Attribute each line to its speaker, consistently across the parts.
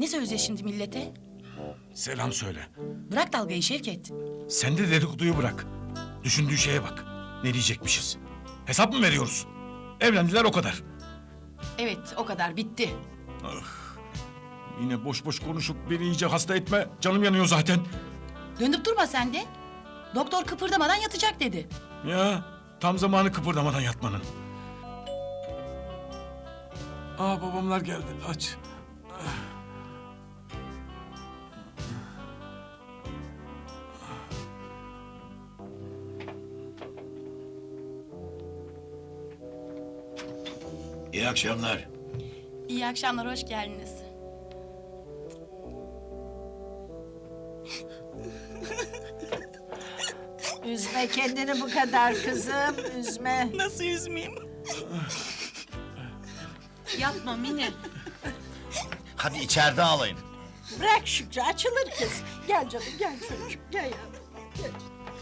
Speaker 1: söyleyeceğiz şimdi millete?
Speaker 2: Selam söyle.
Speaker 1: Bırak dalgayı Şevket.
Speaker 2: Sen de dedikoduyu bırak. Düşündüğü şeye bak. Ne diyecekmişiz? Hesap mı veriyoruz? Evlendiler o kadar.
Speaker 1: Evet, o kadar, bitti.
Speaker 2: Yine boş boş konuşup beni iyice hasta etme. Canım yanıyor zaten.
Speaker 1: Dönüp durma sen de. Doktor kıpırdamadan yatacak dedi.
Speaker 2: Ya tam zamanı kıpırdamadan yatmanın. Aa, babamlar geldi. Aç.
Speaker 3: İyi akşamlar.
Speaker 1: İyi akşamlar, hoş geldiniz.
Speaker 4: Üzme kendini bu kadar kızım, üzme.
Speaker 1: Nasıl üzmeyeyim?
Speaker 5: Yapma Mine.
Speaker 3: Hadi içeride ağlayın.
Speaker 4: Bırak Şükrü, açılır kız. Gel canım, gel çocuğum, gel yavrum. Gel.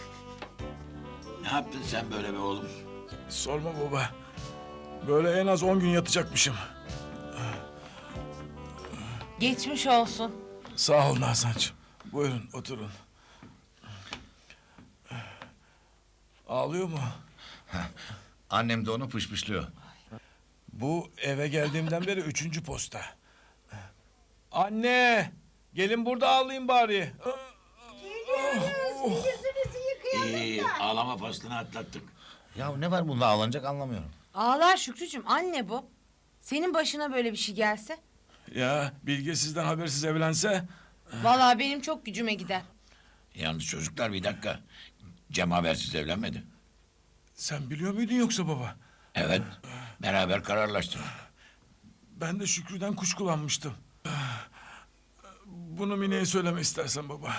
Speaker 3: Ne yaptın sen böyle be oğlum?
Speaker 2: Sorma baba. Böyle en az 10 gün yatacakmışım.
Speaker 5: Geçmiş olsun.
Speaker 2: Sağ ol Nazancığım. Buyurun oturun. Ağlıyor mu?
Speaker 3: Annem de onu pışpışlıyor.
Speaker 2: Bu eve geldiğimden beri 3. posta. Anne! Gelin burada ağlayayım bari.
Speaker 4: Yüzünüzü yıkayalım.
Speaker 3: İyi, ağlama faslını atlattık.
Speaker 6: Ya ne var bunda ağlanacak anlamıyorum.
Speaker 5: Ağlar Şükrücüğüm, anne bu. Senin başına böyle bir şey gelse?
Speaker 2: Ya Bilge sizden habersiz evlense...
Speaker 5: Vallahi benim çok gücüme gider.
Speaker 3: Yalnız çocuklar bir dakika. Cem habersiz evlenmedi.
Speaker 2: Sen biliyor muydun yoksa baba?
Speaker 3: Evet, beraber kararlaştık.
Speaker 2: Ben de Şükrü'den kuşkulanmıştım. Bunu Mine'ye söyleme istersen baba.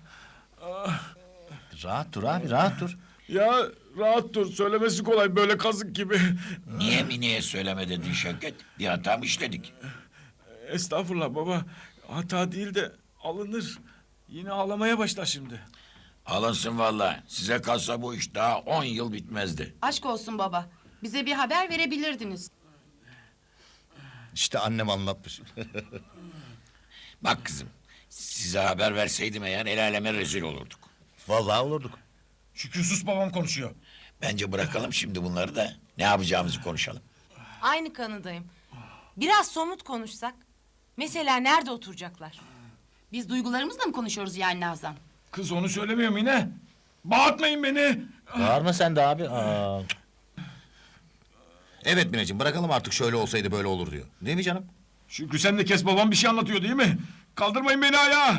Speaker 6: Rahat dur abi rahat dur.
Speaker 2: Ya rahat dur, söylemesi kolay böyle kazık gibi.
Speaker 3: Niye Mine'ye söyleme dedin Şevket? Bir hata mı işledik?
Speaker 2: Estağfurullah baba. Hata değil de alınır. Yine ağlamaya başlar şimdi.
Speaker 3: Alınsın vallahi. Size kalsa bu iş daha 10 yıl bitmezdi.
Speaker 1: Aşk olsun baba. Bize bir haber verebilirdiniz.
Speaker 6: İşte annem anlatmış.
Speaker 3: Bak kızım, size haber verseydim eğer el aleme rezil olurduk.
Speaker 6: Vallahi olurduk.
Speaker 2: Şükrü sus, babam konuşuyor.
Speaker 3: Bence bırakalım şimdi bunları da ne yapacağımızı konuşalım.
Speaker 5: Aynı kanıdayım. Biraz somut konuşsak. Mesela nerede oturacaklar?
Speaker 1: Biz duygularımızla mı konuşuyoruz yani Nazan?
Speaker 2: Kız onu söylemiyor mu yine? Bağırtmayın beni.
Speaker 6: Bağırma sen de abi. Aa. Evet Mineciğim bırakalım artık şöyle olsaydı böyle olur diyor. Değil mi canım?
Speaker 2: Şükrü sen de kes, babam bir şey anlatıyor değil mi? Kaldırmayın beni ayağa.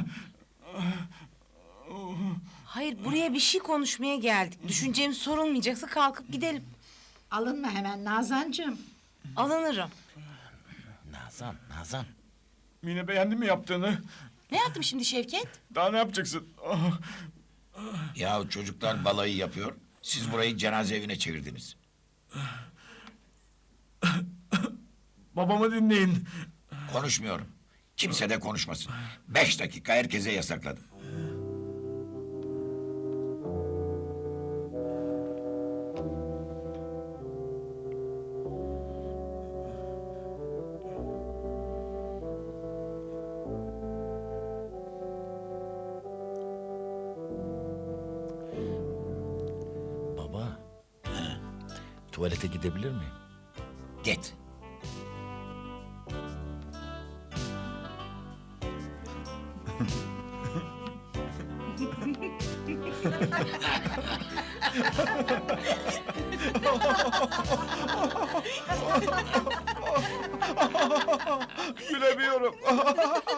Speaker 5: Hayır, buraya bir şey konuşmaya geldik. Düşüncemiz sorulmayacaksa kalkıp gidelim.
Speaker 4: Alınma hemen Nazancığım.
Speaker 5: Alınırım.
Speaker 6: Nazan.
Speaker 2: Mine beğendin mi yaptığını?
Speaker 1: Ne yaptım şimdi Şevket?
Speaker 2: Daha ne yapacaksın?
Speaker 3: Ya çocuklar balayı yapıyor, siz burayı cenaze evine çevirdiniz.
Speaker 2: Babamı dinleyin.
Speaker 3: Konuşmuyorum. Kimse de konuşmasın. 5 dakika herkese yasakladım.
Speaker 6: Baba. Tuvalete gidebilir miyim?
Speaker 3: Git.
Speaker 2: Gülemiyorum.